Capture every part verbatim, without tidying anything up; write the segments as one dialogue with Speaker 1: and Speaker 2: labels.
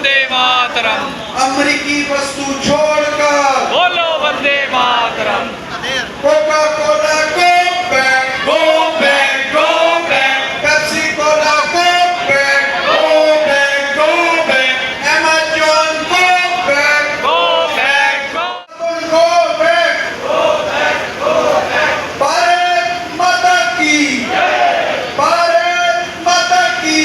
Speaker 1: वंदे मातरम।
Speaker 2: अमेरिकी वस्तु छोड़कर
Speaker 1: बोलो Vande Mataram.
Speaker 2: Coca Cola go back
Speaker 1: go back go back
Speaker 2: Pepsi Cola go back
Speaker 1: go back go back
Speaker 2: Amazon go back
Speaker 1: go back go
Speaker 2: go back Bharat Mata की भारत माता की।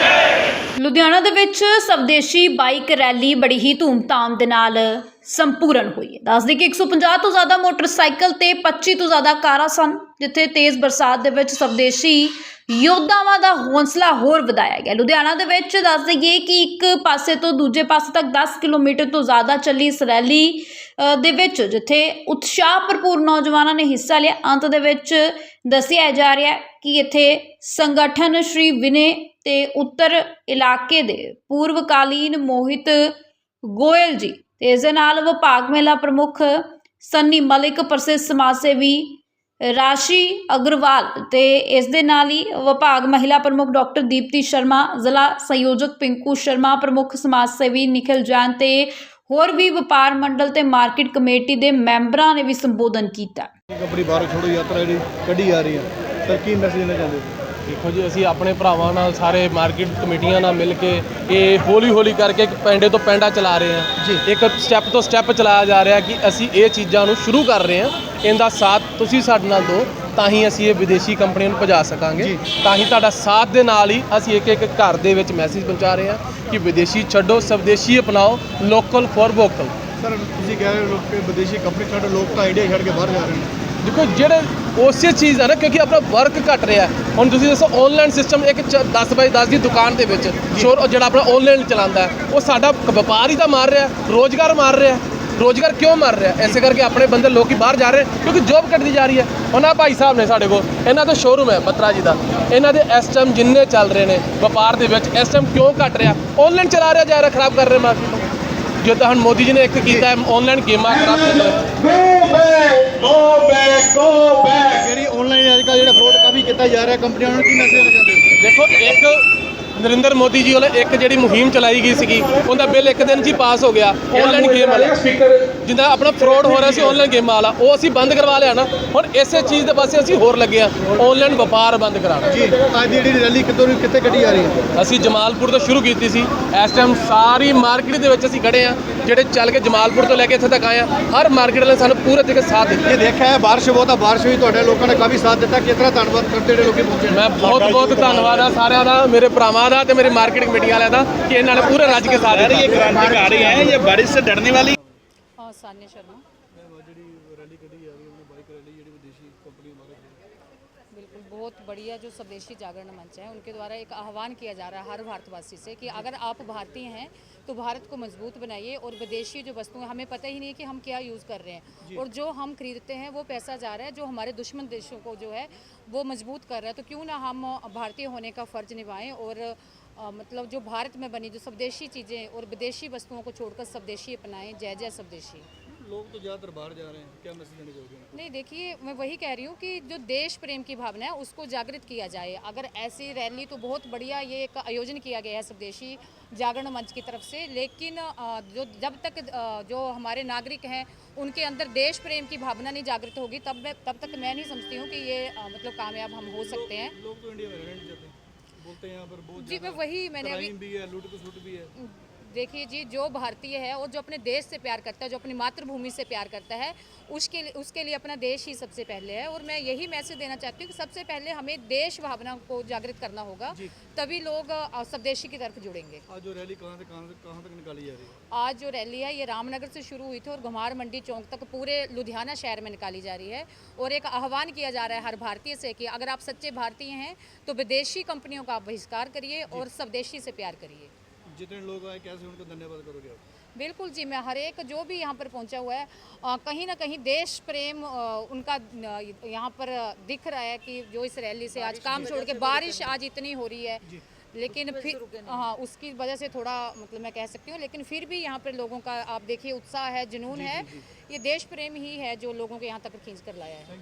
Speaker 3: ਲੁਧਿਆਣਾ ਦੇ ਵਿੱਚ ਸਵਦੇਸ਼ੀ ਬਾਈਕ ਰੈਲੀ ਬੜੀ ਹੀ ਧੂਮਧਾਮ ਦੇ ਨਾਲ ਸੰਪੂਰਨ ਹੋਈ ਹੈ। ਦੱਸਦੇ ਕਿ ਇੱਕ ਸੌ ਪੰਜਾਹ ਤੋਂ ਜ਼ਿਆਦਾ ਮੋਟਰਸਾਈਕਲ ਤੇ ਪੱਚੀ ਤੋਂ ਜ਼ਿਆਦਾ ਕਾਰਾਂ ਸਨ, ਜਿੱਥੇ ਤੇਜ਼ ਬਰਸਾਤ ਦੇ ਵਿੱਚ ਸਵਦੇਸ਼ੀ ਯੋਧਾਵਾਂ ਦਾ ਹੌਸਲਾ ਹੋਰ ਵਧਾਇਆ ਗਿਆ। ਲੁਧਿਆਣਾ ਦੇ ਵਿੱਚ ਦੱਸ ਦਈਏ ਕਿ ਇੱਕ ਪਾਸੇ ਤੋਂ ਦੂਜੇ ਪਾਸੇ ਤੱਕ ਦਸ ਕਿਲੋਮੀਟਰ ਤੋਂ ਜ਼ਿਆਦਾ ਚੱਲੀ ਇਸ ਰੈਲੀ ਦੇ ਵਿੱਚ, ਜਿੱਥੇ ਉਤਸ਼ਾਹ ਭਰਪੂਰ ਨੌਜਵਾਨਾਂ ਨੇ ਹਿੱਸਾ ਲਿਆ। ਅੰਤ ਦੇ ਵਿੱਚ ਦੱਸਿਆ ਜਾ ਰਿਹਾ ਹੈ ਕਿ ਇੱਥੇ ਸੰਗਠਨ ਸ਼੍ਰੀ ਵਿਨੇ ਤੇ ਉੱਤਰ ਇਲਾਕੇ ਦੇ ਪੂਰਵਕਾਲੀਨ ਮੋਹਿਤ ਗੋਇਲ ਜੀ ਤੇ ਇਸ ਦੇ ਨਾਲ ਵਿਭਾਗ ਮਹਿਲਾ ਪ੍ਰਮੁੱਖ ਸੰਨੀ ਮਲਿਕ, ਪ੍ਰਸਿੱਧ ਸਮਾਜ ਸੇਵੀ ਰਾਸ਼ੀ ਅਗਰਵਾਲ ਤੇ ਇਸ ਦੇ ਨਾਲ ਹੀ ਵਿਭਾਗ ਮਹਿਲਾ ਪ੍ਰਮੁੱਖ ਡਾਕਟਰ ਦੀਪਤੀ ਸ਼ਰਮਾ, ਜ਼ਿਲ੍ਹਾ ਸੰਯੋਜਕ ਪਿੰਕੂ ਸ਼ਰਮਾ, ਪ੍ਰਮੁੱਖ ਸਮਾਜ ਸੇਵੀ ਨਿਖਿਲ ਜੈਨ ਤੇ ਹੋਰ ਵੀ ਵਪਾਰ ਮੰਡਲ ਤੇ ਮਾਰਕੀਟ ਕਮੇਟੀ ਦੇ ਮੈਂਬਰਾਂ ਨੇ ਵੀ ਸੰਬੋਧਨ ਕੀਤਾ।
Speaker 4: ਆਪਣੀ ਭਾਰਤ ਛੋੜੋ ਯਾਤਰਾ ਜਿਹੜੀ ਕੱਢੀ ਆ ਰਹੀ ਹੈ, ਸਰ ਕੀ ਮੈਸੇਜ ਦੇਣਾ ਚਾਹੁੰਦੇ ਹੋ?
Speaker 5: देखो जी, असी अपने भरावां नाल सारे मार्केट कमेटियां नाल मिल के ये हौली हौली करके पेंडे तो पेंडा चला रहे हैं जी। एक स्टैप तो स्टैप चलाया जा रहा है कि असी ये चीज़ों को शुरू कर रहे हैं। इनका साथ तुसी साडे नाल दो, ਤਾਂ ਹੀ ਅਸੀਂ ਇਹ ਵਿਦੇਸ਼ੀ ਕੰਪਨੀਆਂ ਨੂੰ ਭਜਾ ਸਕਾਂਗੇ। ਤਾਂ ਹੀ ਤੁਹਾਡਾ ਸਾਥ ਦੇ ਨਾਲ ਹੀ ਅਸੀਂ ਇੱਕ ਇੱਕ ਘਰ ਦੇ ਵਿੱਚ ਮੈਸੇਜ ਪਹੁੰਚਾ ਰਹੇ ਹਾਂ ਕਿ ਵਿਦੇਸ਼ੀ ਛੱਡੋ, ਸਵਦੇਸ਼ੀ ਅਪਣਾਓ, ਲੋਕਲ ਫॉर ਵੋਕਲ।
Speaker 4: ਸਰ ਤੁਸੀਂ ਕਹਿ ਰਹੇ ਹੋ ਕਿ ਵਿਦੇਸ਼ੀ ਕੰਪਨੀ ਛੱਡ, ਲੋਕ ਤਾਂ ਇੰਡੀਆ ਛੱਡ ਕੇ ਬਾਹਰ ਜਾ ਰਹੇ ਨੇ।
Speaker 5: ਦੇਖੋ ਜਿਹੜੇ ਉਸੇ ਚੀਜ਼ ਹੈ ਨਾ, ਕਿਉਂਕਿ ਆਪਣਾ ਵਰਕ ਘਟ ਰਿਹਾ ਹੁਣ। ਤੁਸੀਂ ਦੱਸੋ ਆਨਲਾਈਨ ਸਿਸਟਮ ਇੱਕ ਦਸ ਬਾਈ ਦਸ ਦੀ ਦੁਕਾਨ ਦੇ ਵਿੱਚ ਸ਼ੋਰ ਜਿਹੜਾ ਆਪਣਾ ਆਨਲਾਈਨ ਚਲਾਉਂਦਾ ਉਹ ਸਾਡਾ ਵਪਾਰ ਹੀ ਤਾਂ ਮਾਰ ਰਿਹਾ, ਰੋਜ਼ਗਾਰ ਮਾਰ ਰਿਹਾ। ਰੋਜ਼ਗਾਰ ਕਿਉਂ ਮਾਰ ਰਿਹਾ? ਇਸੇ ਕਰਕੇ ਆਪਣੇ ਬੰਦੇ ਲੋਕੀ ਬਾਹਰ ਜਾ ਰਹੇ ਕਿਉਂਕਿ ਜੋਬ ਘਟਦੀ ਜਾ ਰਹੀ ਹੈ। ਉਹਨਾਂ ਭਾਈ ਸਾਹਿਬ ਨੇ ਸਾਡੇ ਕੋਲ, ਇਹਨਾਂ ਦਾ ਸ਼ੋਰੂਮ ਹੈ ਬੱਤਰਾ ਜੀ ਦਾ, ਇਹਨਾਂ ਦੇ ਇਸ ਟਾਈਮ ਜਿੰਨੇ ਚੱਲ ਰਹੇ ਨੇ ਵਪਾਰ ਦੇ ਵਿੱਚ ਇਸ ਟਾਈਮ ਕਿਉਂ ਘਟ ਰਿਹਾ? ਆਨਲਾਈਨ ਚਲਾ ਰਿਹਾ ਜਾ ਰਿਹਾ, ਖਰਾਬ ਕਰ ਰਿਹਾ ਮਾਰਕੀਟ ਨੂੰ। ਜੋ ਤਾਂ ਹੁਣ ਮੋਦੀ ਜੀ ਨੇ ਇੱਕ ਕੀਤਾ ਹੈ ਆਨਲਾਈਨ ਗੇਮਾਂ ਖਰਾਬ ਕਰ ਰਿਹਾ।
Speaker 2: Go back go back go back
Speaker 4: ਜਿਹੜੀ ਆਨਲਾਈਨ ਅੱਜ ਕੱਲ੍ਹ ਜਿਹੜਾ ਫਰੋਡ ਕਾਫੀ ਕੀਤਾ ਜਾ ਰਿਹਾ, ਕੰਪਨੀਆਂ ਨੂੰ ਕੀ ਮੈਸੇਜ ਦੇਣਾ ਚਾਹੁੰਦੇ ਹੋ?
Speaker 5: ਦੇਖੋ, ਇੱਕ ਨਰਿੰਦਰ ਮੋਦੀ ਜੀ ਵੱਲੋਂ ਇੱਕ ਜਿਹੜੀ ਮੁਹਿੰਮ ਚਲਾਈ ਗਈ ਸੀਗੀ, ਉਹਦਾ ਬਿੱਲ ਇੱਕ ਦਿਨ 'ਚ ਹੀ ਪਾਸ ਹੋ ਗਿਆ। ਆਨਲਾਈਨ ਗੇਮ ਵਾਲਾ ਜਿੱਦਾਂ ਆਪਣਾ ਫਰੋਡ ਹੋ ਰਿਹਾ ਸੀ ਆਨਲਾਈਨ ਗੇਮਾਂ ਵਾਲਾ, ਉਹ ਅਸੀਂ ਬੰਦ ਕਰਵਾ ਲਿਆ ਨਾ। ਹੁਣ ਇਸੇ ਚੀਜ਼ ਦੇ ਪਾਸੇ ਅਸੀਂ ਹੋਰ ਲੱਗੇ ਆ, ਆਨਲਾਈਨ ਵਪਾਰ ਬੰਦ ਕਰਾਉਣਾ
Speaker 4: ਜੀ ਅੱਜ ਦੀ ਜਿਹੜੀ ਰੈਲੀ ਕਿੱਥੋਂ ਕਿੱਥੇ ਕੱਢੀ ਜਾ ਰਹੀ ਹੈ?
Speaker 5: ਅਸੀਂ ਜਮਾਲਪੁਰ ਤੋਂ ਸ਼ੁਰੂ ਕੀਤੀ ਸੀ। ਇਸ ਟਾਈਮ ਸਾਰੀ ਮਾਰਕੀਟ ਦੇ ਵਿੱਚ ਅਸੀਂ ਖੜੇ ਆ, ਜਿਹੜੇ ਚੱਲ ਕੇ ਜਮਾਲਪੁਰ ਤੋਂ ਲੈ ਕੇ ਇੱਥੇ ਤੱਕ ਆਏ ਆ। ਹਰ ਮਾਰਕੀਟ ਵਾਲੇ ਸਾਨੂੰ ਪੂਰੇ ਤਰੀਕੇ ਸਾਥ ਦਿੱਤਾ।
Speaker 4: ਇਹ ਦੇਖਿਆ ਹੈ ਬਾਰਿਸ਼ ਬਹੁਤ ਆ, ਬਾਰਿਸ਼ ਵੀ ਤੁਹਾਡੇ ਲੋਕਾਂ ਨੇ ਕਾਫੀ ਸਾਥ ਦਿੱਤਾ। ਕਿਸ ਤਰ੍ਹਾਂ ਧੰਨਵਾਦ ਕਰਦੇ ਜਿਹੜੇ ਲੋਕੀ ਪਹੁੰਚੇ?
Speaker 5: ਮੈਂ ਬਹੁਤ ਬਹੁਤ ਧੰਨਵਾਦ ਆ ਸਾਰਿਆਂ ਦਾ, ਮੇਰੇ ਭਰਾਵਾਂ ਦਾ ਤੇ ਮੇਰੇ ਮਾਰਕੀਟ ਕਮੇਟੀ ਵਾਲਿਆਂ ਦਾ ਕਿ ਇਹਨਾਂ ਨੇ ਪੂਰੇ ਰੱਜ ਕੇ ਸਾਥ ਦਿੱਤਾ।
Speaker 6: ये क्रांतिकारी है, ये बारिश से डरने वाली।
Speaker 3: और सान्या शर्मा
Speaker 4: ਜਿਹੜੀ ਰੈਲੀ ਕੱਢੀ ਜਾ ਰਹੀ ਹੈ, ਆਪਣੀ ਬਾਈਕ ਰੈਲੀ ਜਿਹੜੀ ਵਿਦੇਸ਼ੀ ਕੰਪਨੀ ਮਾਰੇ।
Speaker 7: बिल्कुल बहुत बढ़िया जो स्वदेशी जागरण मंच है उनके द्वारा एक आह्वान किया जा रहा है हर भारतवासी से कि अगर आप भारतीय हैं तो भारत को मजबूत बनाइए और विदेशी जो वस्तुएं हमें पता ही नहीं है कि हम क्या यूज़ कर रहे हैं और जो हम खरीदते हैं वो पैसा जा रहा है जो हमारे दुश्मन देशों को जो है वो मजबूत कर रहा है। तो क्यों ना हम भारतीय होने का फ़र्ज निभाएं और आ, मतलब जो भारत में बनी जो स्वदेशी चीज़ें और विदेशी वस्तुओं को छोड़कर स्वदेशी अपनाएं। जय जय स्वदेशी।
Speaker 4: लोग तो ज़्यादातर बाहर जा रहे हैं, क्या मैसेज देना चाहोगे?
Speaker 7: नहीं, देखिए मैं वही कह रही हूँ कि जो देश प्रेम की भावना है उसको जागृत किया जाए। अगर ऐसी रैली तो बहुत बढ़िया ये एक आयोजन किया गया है स्वदेशी जागरण मंच की तरफ से, लेकिन जो जब तक जो हमारे नागरिक हैं उनके अंदर देश प्रेम की भावना नहीं जागृत होगी तब मैं तब तक मैं नहीं समझती हूँ कि ये मतलब कामयाब हम हो सकते हैं।
Speaker 4: लोग तो इंडिया में रहना नहीं चाहते, बोलते हैं यहाँ पर बहुत
Speaker 7: जी मैं वही मैंने अभी
Speaker 4: भी है, लूट खसुट भी है।
Speaker 7: देखिए जी, जो भारतीय है और जो अपने देश से प्यार करता है, जो अपनी मातृभूमि से प्यार करता है, उसके लिए उसके लिए अपना देश ही सबसे पहले है। और मैं यही मैसेज देना चाहती हूँ कि सबसे पहले हमें देश भावना को जागृत करना होगा, तभी लोग स्वदेशी की तरफ जुड़ेंगे।
Speaker 4: आज जो रैली कहाँ से कहाँ से कहाँ तक निकाली जा रही है?
Speaker 7: आज जो रैली है ये रामनगर से शुरू हुई थी और घुमार मंडी चौक तक पूरे लुधियाना शहर में निकाली जा रही है। और एक आह्वान किया जा रहा है हर भारतीय से कि अगर आप सच्चे भारतीय हैं तो विदेशी कंपनियों का आप बहिष्कार करिए और स्वदेशी से प्यार करिए।
Speaker 4: जितने लोग आए कैसे उनको धन्यवाद करोगे आप?
Speaker 7: बिल्कुल जी, मैं हर एक जो भी यहाँ पर पहुँचा हुआ है आ, कहीं ना कहीं देश प्रेम आ, उनका यहाँ पर दिख रहा है कि जो इस रैली से आज काम छोड़ के बारिश आज इतनी हो रही है, लेकिन फिर हाँ उसकी वजह से थोड़ा मतलब मैं कह सकती हूँ, लेकिन फिर भी यहाँ पर लोगों का आप देखिए उत्साह है, जुनून है। ये देश प्रेम ही है जो लोगों को यहाँ तक खींच कर लाया है।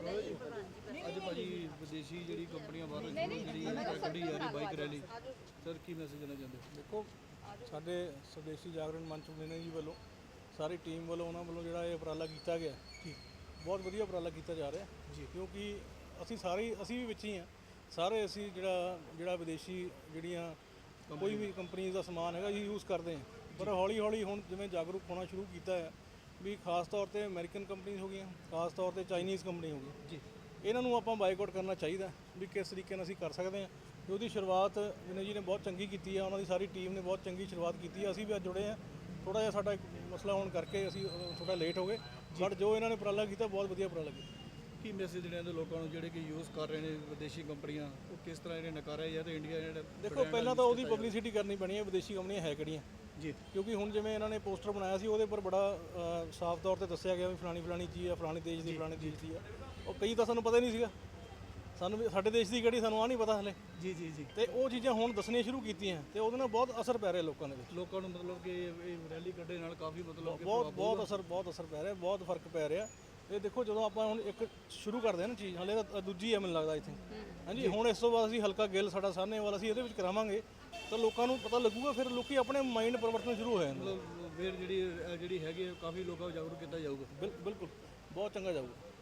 Speaker 4: ਅੱਜ ਭਾਜੀ ਵਿਦੇਸ਼ੀ ਜਿਹੜੀ ਕੰਪਨੀਆਂ ਬਾਹਰ ਜਿਹੜੀ ਕੱਢੀ ਜਾ ਰਹੀ ਬਾਈਕ ਰੈਲੀ, ਸਰ ਕੀ ਮੈਸੇਜ ਦੇਣਾ ਚਾਹੁੰਦੇ ਹੋ?
Speaker 8: देखो
Speaker 4: ਸਾਡੇ ਸਵਦੇਸ਼ੀ ਜਾਗਰਣ ਮੰਚ ਨੇ ਜੀ ਵੱਲੋਂ ਸਾਰੀ ਟੀਮ ਵੱਲੋਂ ਉਹਨਾਂ ਵੱਲੋਂ ਜਿਹੜਾ ਇਹ ਉਪਰਾਲਾ ਕੀਤਾ ਗਿਆ ਜੀ, ਬਹੁਤ ਵਧੀਆ ਉਪਰਾਲਾ ਕੀਤਾ ਜਾ ਰਿਹਾ ਜੀ, ਕਿਉਂਕਿ ਅਸੀਂ ਸਾਰੇ ਅਸੀਂ ਵੀ ਵਿੱਚ ਹੀ ਹਾਂ ਸਾਰੇ, ਅਸੀਂ ਜਿਹੜਾ ਜਿਹੜਾ ਵਿਦੇਸ਼ੀ ਜਿਹੜੀਆਂ ਕੋਈ ਵੀ ਕੰਪਨੀ ਦਾ ਸਮਾਨ ਹੈਗਾ ਜੀ ਯੂਜ਼ ਕਰਦੇ ਹਾਂ, ਪਰ ਹੌਲੀ ਹੌਲੀ ਹੁਣ ਜਿਵੇਂ ਜਾਗਰੂਕ ਹੋਣਾ ਸ਼ੁਰੂ ਕੀਤਾ ਹੈ ਵੀ ਖਾਸ ਤੌਰ ਤੇ ਅਮਰੀਕਨ ਕੰਪਨੀਆਂ ਹੋ ਗਈਆਂ, ਖਾਸ ਤੌਰ ਤੇ ਚਾਈਨੀਜ਼ ਕੰਪਨੀ ਹੋ ਗਈ ਜੀ, ਇਹਨਾਂ ਨੂੰ ਆਪਾਂ ਬਾਈਕਾਟ ਕਰਨਾ ਚਾਹੀਦਾ ਵੀ ਕਿਸ ਤਰੀਕੇ ਨਾਲ ਅਸੀਂ ਕਰ ਸਕਦੇ ਹਾਂ। ਤੇ ਉਹਦੀ ਸ਼ੁਰੂਆਤ ਵਿਨੈ ਜੀ ਨੇ ਬਹੁਤ ਚੰਗੀ ਕੀਤੀ ਹੈ, ਉਹਨਾਂ ਦੀ ਸਾਰੀ ਟੀਮ ਨੇ ਬਹੁਤ ਚੰਗੀ ਸ਼ੁਰੂਆਤ ਕੀਤੀ ਹੈ। ਅਸੀਂ ਵੀ ਅੱਜ ਜੁੜੇ ਹਾਂ, ਥੋੜਾ ਜਿਹਾ ਸਾਡਾ ਇੱਕ ਮਸਲਾ ਹੋਣ ਕਰਕੇ ਅਸੀਂ ਥੋੜਾ ਲੇਟ ਹੋ ਗਏ, ਬਟ ਜੋ ਇਹਨਾਂ ਨੇ ਉਪਰਾਲਾ ਕੀਤਾ ਬਹੁਤ ਵਧੀਆ ਉਪਰਾਲਾ ਕੀਤਾ। ਕੀ ਮੈਸੇਜ ਦੇਣਾ ਚਾਹੁੰਦੇ ਲੋਕਾਂ ਨੂੰ ਜਿਹੜੇ ਕਿ ਯੂਜ਼ ਕਰ ਰਹੇ ਨੇ ਵਿਦੇਸ਼ੀ ਕੰਪਨੀਆਂ, ਉਹ ਕਿਸ ਤਰ੍ਹਾਂ ਇਹਨੇ ਨਕਾਰਿਆ ਜਾਂ ਤੇ ਇੰਡੀਆ ਜਿਹੜਾ ਦੇਖੋ ਪਹਿਲਾਂ ਤਾਂ ਉਹਦੀ ਪਬਲਿਸਿਟੀ ਕਰਨੀ ਪੈਣੀ ਹੈ ਵਿਦੇਸ਼ੀ ਕੰਪਨੀਆਂ ਹੈ ਕਿਹੜੀਆਂ ਜੀ, ਕਿਉਂਕਿ ਹੁਣ ਜਿਵੇਂ ਇਹਨਾਂ ਨੇ ਪੋਸਟਰ ਬਣਾਇਆ ਸੀ ਉਹਦੇ ਉੱਪਰ ਬੜਾ ਸਾਫ਼ ਤੌਰ ਤੇ ਦੱਸਿਆ ਗਿਆ ਵੀ ਫਲਾਣੀ ਫਲਾਣੀ ਚੀਜ਼ ਆ, ਫਲਾਣੀ ਦੇਸ਼ ਦੀ ਫਲਾਣੀ ਦੇਸ਼ ਦੀ ਆ, ਉਹ ਕਈ ਤਾਂ ਸਾਨੂੰ ਪਤਾ ਹੀ ਨਹੀਂ ਸੀਗਾ, ਸਾਨੂੰ ਵੀ ਸਾਡੇ ਦੇਸ਼ ਦੀ ਕਿਹੜੀ ਸਾਨੂੰ ਆ ਨਹੀਂ ਪਤਾ ਹਲੇ
Speaker 5: ਜੀ ਜੀ ਜੀ
Speaker 4: ਤੇ ਉਹ ਚੀਜ਼ਾਂ ਹੁਣ ਦੱਸਣੀਆਂ ਸ਼ੁਰੂ ਕੀਤੀਆਂ ਤੇ ਉਹਦੇ ਨਾਲ ਬਹੁਤ ਅਸਰ ਪੈ ਰਿਹਾ ਲੋਕਾਂ ਦੇ ਵਿੱਚ, ਲੋਕਾਂ ਨੂੰ ਮਤਲਬ ਕਿ ਇਹ ਰੈਲੀ ਕੱਢੇ ਨਾਲ ਕਾਫੀ ਮਤਲਬ ਬਹੁਤ ਬਹੁਤ ਅਸਰ ਬਹੁਤ ਅਸਰ ਪੈ ਰਿਹਾ, ਬਹੁਤ ਫਰਕ ਪੈ ਰਿਹਾ। ਇਹ ਦੇਖੋ ਜਦੋਂ ਆਪਾਂ ਹੁਣ ਇੱਕ ਸ਼ੁਰੂ ਕਰਦੇ ਹਾਂ ਨਾ ਚੀਜ਼, ਹਲੇ ਤਾਂ ਦੂਜੀ ਹੈ ਮੈਨੂੰ ਲੱਗਦਾ ਇੱਥੇ, ਹਾਂਜੀ ਹੁਣ ਇਸ ਤੋਂ ਬਾਅਦ ਅਸੀਂ ਹਲਕਾ ਗਿੱਲ ਸਾਡਾ ਸਾਹਨੇਵਾਲ ਅਸੀਂ ਇਹਦੇ ਵਿੱਚ ਕਰਾਵਾਂਗੇ ਤਾਂ ਲੋਕਾਂ ਨੂੰ ਪਤਾ ਲੱਗੂਗਾ, ਫਿਰ ਲੋਕੀ ਆਪਣੇ ਮਾਈਂਡ ਪਰਿਵਰਤਨ ਸ਼ੁਰੂ ਹੋ ਜਾਂਦੇ,
Speaker 5: ਫਿਰ ਜਿਹੜੀ ਜਿਹੜੀ ਹੈਗੀ ਕਾਫੀ ਲੋਕਾਂ ਨੂੰ ਜਾਗਰੂਕ ਕੀਤਾ ਜਾਊਗਾ।
Speaker 4: ਬਿਲਕੁਲ ਬਹੁਤ ਚੰਗਾ ਜਾਊਗਾ।